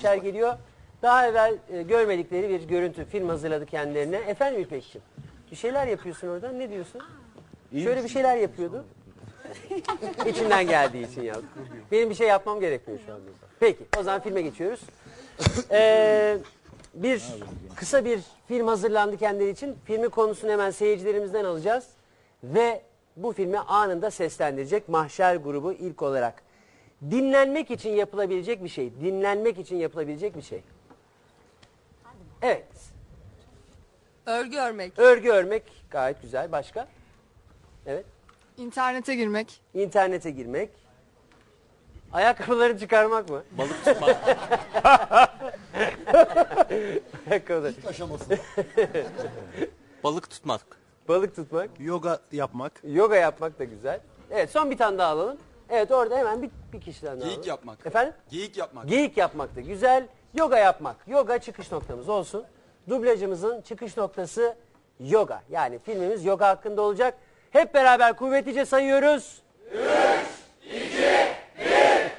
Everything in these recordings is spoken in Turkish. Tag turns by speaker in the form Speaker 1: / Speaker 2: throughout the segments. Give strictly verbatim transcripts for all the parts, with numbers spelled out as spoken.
Speaker 1: geliyor. Daha evvel e, görmedikleri bir görüntü, film hazırladı kendilerine. Efendim İpek'ciğim, bir şeyler yapıyorsun orada, ne diyorsun? İyi Şöyle misin? Bir şeyler yapıyordu. İçinden geldiği için ya. Benim bir şey yapmam gerekmiyor şu anda. Peki, o zaman filme geçiyoruz. Ee, bir kısa bir film hazırlandı kendileri için. Filmin konusunu hemen seyircilerimizden alacağız. Ve bu filmi anında seslendirecek Mahşer grubu ilk olarak. Dinlenmek için yapılabilecek bir şey. Dinlenmek için yapılabilecek bir şey. Evet.
Speaker 2: Örgü örmek.
Speaker 1: Örgü örmek gayet güzel. Başka? Evet.
Speaker 2: İnternete girmek.
Speaker 1: İnternete girmek. Ayakkabıları çıkarmak mı?
Speaker 3: Balık tutmak.
Speaker 1: Ayakkabıları.
Speaker 4: İlk aşaması.
Speaker 3: Balık tutmak.
Speaker 1: Balık tutmak.
Speaker 5: Yoga yapmak.
Speaker 1: Yoga yapmak da güzel. Evet, son bir tane daha alalım. Evet, orada hemen bir, bir kişiden daha
Speaker 6: Geyik
Speaker 1: alalım.
Speaker 6: yapmak.
Speaker 1: Efendim?
Speaker 6: Geyik yapmak.
Speaker 1: Geyik yapmak da güzel. Yoga yapmak. Yoga çıkış noktamız olsun. Dublajımızın çıkış noktası yoga. Yani filmimiz yoga hakkında olacak. Hep beraber kuvvetlice sayıyoruz. üç, iki, bir.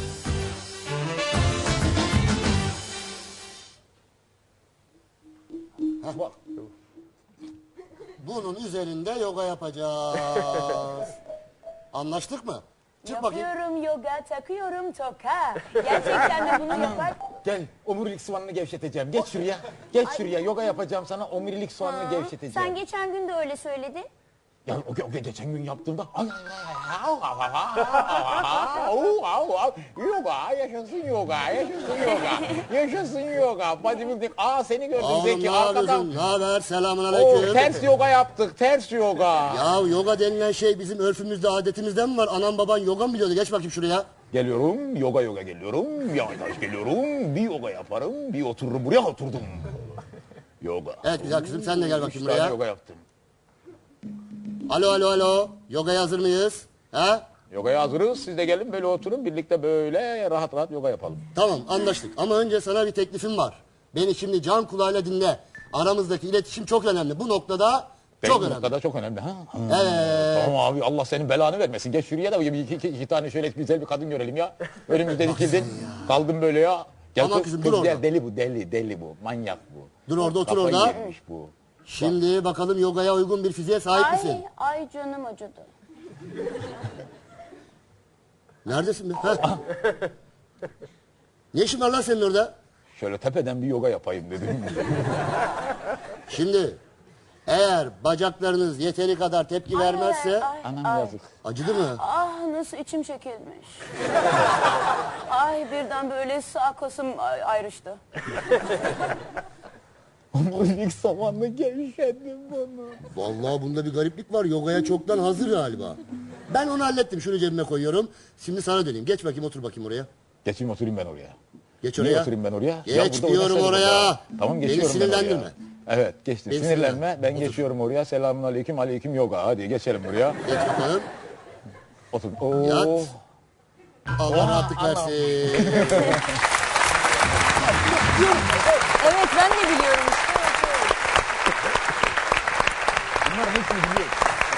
Speaker 4: Bak. Bunun üzerinde yoga yapacağız. Anlaştık mı? Çık bakayım.
Speaker 7: Yapıyorum yoga, takıyorum toka. Gerçekten de bunu yapar.
Speaker 8: Gel, omurilik soğanını gevşeteceğim. Geç şuraya. Geç şuraya. Yoga yapacağım sana. Omurilik soğanını
Speaker 7: Ha,
Speaker 8: gevşeteceğim.
Speaker 7: Sen geçen gün de öyle söyledin.
Speaker 8: Ya o, o, o geçen gün yaptığımda ay, ay, ay, au, au, au, au, au, au. Yoga, yaşasın yoga, yaşasın yoga. Yaşasın yoga. Bodybuilding. Aa seni gördüm
Speaker 4: Oğlum
Speaker 8: Zeki
Speaker 4: ne
Speaker 8: arkadan.
Speaker 4: yapıyorsun? Ne haber? Selamun
Speaker 8: Oo,
Speaker 4: aleyküm.
Speaker 8: ters yoga yaptık. Ters yoga.
Speaker 4: Ya yoga denilen şey bizim örfümüzde, adetimizde mi var? Anam baban yoga mı biliyordu? Geç bakayım şuraya.
Speaker 8: Geliyorum, yoga yoga geliyorum. Yavaş yavaş geliyorum. Bir yoga yaparım, bir otururum. Buraya oturdum. Yoga.
Speaker 4: Evet güzel kızım, sen de gel bakayım
Speaker 8: Üç tane
Speaker 4: buraya.
Speaker 8: yoga yaptım.
Speaker 4: Alo alo alo. Yogaya hazır mıyız? Ha?
Speaker 8: Yogaya hazırız. Siz de gelin böyle oturun. Birlikte böyle rahat rahat yoga yapalım.
Speaker 4: Tamam anlaştık. Ama önce sana bir teklifim var. Beni şimdi can kulağıyla dinle. Aramızdaki iletişim çok önemli. Bu noktada
Speaker 8: Benim
Speaker 4: çok
Speaker 8: bu
Speaker 4: önemli.
Speaker 8: noktada çok önemli. Ha? Ha.
Speaker 4: Evet.
Speaker 8: Tamam abi Allah senin belanı vermesin. Geç şuraya da iki, iki, iki tane şöyle güzel bir kadın görelim ya. Önümüzde dikildin. Kaldım böyle ya. Gel
Speaker 4: Tamam
Speaker 8: kız,
Speaker 4: kızım,
Speaker 8: kız
Speaker 4: dur
Speaker 8: gel,
Speaker 4: orada.
Speaker 8: deli bu deli deli bu. Manyak bu.
Speaker 4: Dur orada otur
Speaker 8: Kafayı
Speaker 4: orada.
Speaker 8: yemiş bu.
Speaker 4: Şimdi bakalım yogaya uygun bir fiziğe sahip misin?
Speaker 7: Ay, ay canım acıdı.
Speaker 4: Neredesin be? Ha? Ne işin var lan senin orada?
Speaker 8: Şöyle tepeden bir yoga yapayım dedim.
Speaker 4: Şimdi eğer bacaklarınız yeteri kadar tepki vermezse...
Speaker 7: Ay,
Speaker 8: Anam
Speaker 7: ay.
Speaker 8: yazık.
Speaker 4: Acıdı mı?
Speaker 7: Ah nasıl içim çekilmiş. Ay birden böyle sağ kasım ay- ayrıştı.
Speaker 8: Omurilik samanlı gevşedim bunu.
Speaker 4: Vallahi bunda bir gariplik var. Yogaya çoktan hazır galiba. Ben onu hallettim. Şunu cebime koyuyorum. Şimdi sana döneyim. Geç bakayım, otur bakayım oraya.
Speaker 8: Geçeyim oturayım ben oraya.
Speaker 4: Geç
Speaker 8: Niye
Speaker 4: oraya.
Speaker 8: oturayım ben oraya?
Speaker 4: Geç
Speaker 8: Ya burada
Speaker 4: diyorum
Speaker 8: oynasaydık
Speaker 4: oraya.
Speaker 8: ya. Tamam
Speaker 4: Beni
Speaker 8: geçiyorum ben oraya.
Speaker 4: sinirlendirme.
Speaker 8: Evet geçtim.
Speaker 4: Beni
Speaker 8: Sinirlenme.
Speaker 4: sinirlendirme.
Speaker 8: Ben
Speaker 4: Otur.
Speaker 8: geçiyorum oraya. Selamun aleyküm. Aleyküm yoga. Hadi geçelim buraya.
Speaker 4: Geç bakalım.
Speaker 8: Otur. Oo.
Speaker 4: Yat. Allah rahatlık versin.
Speaker 7: Evet ben de biliyorum işte.
Speaker 8: Bunların hepsini biliyorum.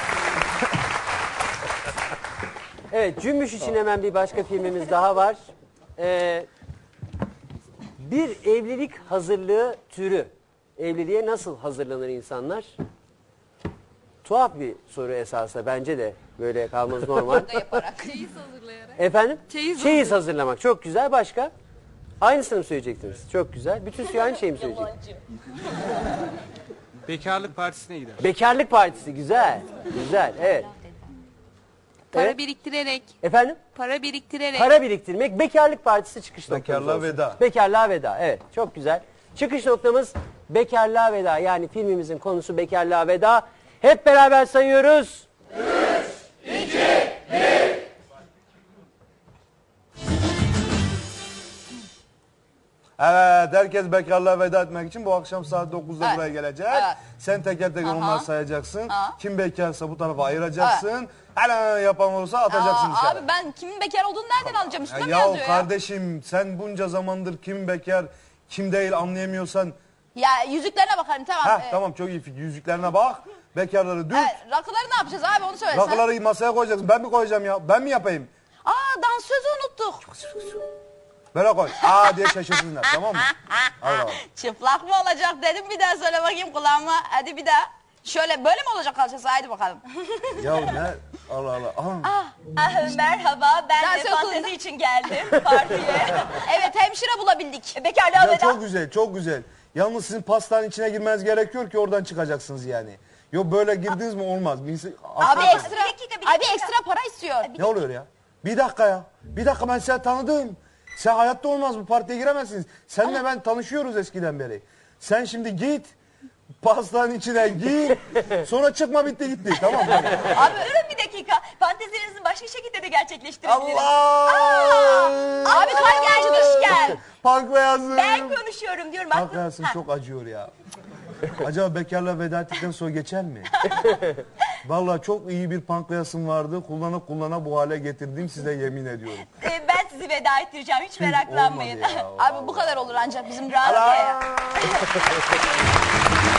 Speaker 1: Evet, Cümbüş için hemen bir başka filmimiz daha var. Ee, bir evlilik hazırlığı türü. Evliliğe nasıl hazırlanır insanlar? Tuhaf bir soru esasında. Bence de böyle kalması normal.
Speaker 2: Yaparak. Çeyiz hazırlayarak.
Speaker 1: Efendim?
Speaker 2: Çeyiz
Speaker 1: Çeyiz hazırlamak. Çok güzel. Başka? Aynısını mı söyleyecektiniz? Çok güzel. Bütün suyu aynı şeyi mi söyleyecek?
Speaker 5: Bekarlık partisine gider.
Speaker 1: Bekarlık partisi. Güzel. Güzel. Evet.
Speaker 2: Para
Speaker 1: Evet.
Speaker 2: biriktirerek.
Speaker 1: Efendim?
Speaker 2: Para biriktirerek.
Speaker 1: Para biriktirmek. Bekarlık partisi çıkış noktamız
Speaker 5: Bekarlığa
Speaker 1: olsun.
Speaker 5: veda.
Speaker 1: Bekarlığa veda. Evet. Çok güzel. Çıkış noktamız bekarlığa veda. Yani filmimizin konusu bekarlığa veda. Hep beraber sayıyoruz.
Speaker 5: Evet, herkes bekarlığa veda etmek için bu akşam saat dokuzda
Speaker 2: Evet.
Speaker 5: buraya gelecek.
Speaker 2: Evet.
Speaker 5: Sen teker teker
Speaker 2: Aha.
Speaker 5: onları sayacaksın.
Speaker 2: Aha.
Speaker 5: Kim bekarsa bu tarafa ayıracaksın. Hele yapan olursa atacaksın
Speaker 2: Aa,
Speaker 5: dışarı.
Speaker 2: abi ben kimin bekar olduğunu nereden alacağım? Üstüne mi
Speaker 5: Ya,
Speaker 2: yazıyor
Speaker 5: ya
Speaker 2: ya?
Speaker 5: kardeşim sen bunca zamandır kim bekar kim değil anlayamıyorsan.
Speaker 2: Ya yüzüklerine bakarım tamam.
Speaker 5: Heh,
Speaker 2: Ee,
Speaker 5: tamam çok iyi fikir. Yüzüklerine bak. Bekarları dük.
Speaker 2: Evet, rakıları ne yapacağız abi onu söyle sen.
Speaker 5: Rakıları masaya koyacaksın. Ben mi koyacağım ya? Ben mi yapayım?
Speaker 2: Aa dansözü unuttuk.
Speaker 5: Böyle koy. Aa diye şaşırsınlar tamam mı? Hadi bakalım.
Speaker 2: Çıplak mı olacak dedim, bir daha söyle bakayım kulağıma. Hadi bir daha. Şöyle böyle mi olacak kalçası? Haydi bakalım.
Speaker 5: Ya ne? Allah Allah. Aha.
Speaker 7: Ah, merhaba, ben
Speaker 2: Dans
Speaker 7: de
Speaker 2: okulunda.
Speaker 7: fantezi için geldim partiye.
Speaker 2: Evet, hemşire bulabildik.
Speaker 7: Bekarlığa
Speaker 5: Ya
Speaker 7: veda.
Speaker 5: çok güzel, çok güzel. Yalnız sizin pastanın içine girmeniz gerekiyor ki oradan çıkacaksınız yani. Yok böyle girdiniz mi olmaz. Birisi-
Speaker 2: Abi
Speaker 5: Aklınıza-
Speaker 2: ekstra,
Speaker 7: Bir dakika, bir
Speaker 2: abi
Speaker 7: dakika.
Speaker 2: ekstra para istiyor.
Speaker 5: Ne oluyor ya? Bir dakika ya. Bir dakika ben seni tanıdım. Sen hayatta olmaz bu partiye giremezsiniz. Seninle ben tanışıyoruz eskiden beri. Sen şimdi git. Pastanın içine gir. Sonra çıkma bitti gitti. Tamam mı?
Speaker 7: Abi durun bir dakika. Fantezilerinizi başka şekilde de gerçekleştirebiliriz.
Speaker 5: Allah!
Speaker 2: Abi kalp gerçi düşken.
Speaker 5: Pankreasım.
Speaker 7: Ben konuşuyorum diyorum. aklım-
Speaker 5: Pankreasım
Speaker 7: Ha.
Speaker 5: çok acıyor ya. Acaba bekarla veda ettikten sonra geçer mi? Vallahi çok iyi bir pankreasım vardı. Kullana kullana bu hale getirdim size yemin ediyorum.
Speaker 7: Ee, ben sizi veda ettireceğim. Hiç meraklanmayın.
Speaker 5: Olmadı ya.
Speaker 2: Abi bu kadar olur ancak bizim
Speaker 7: Rahat
Speaker 2: rahat.
Speaker 7: ya.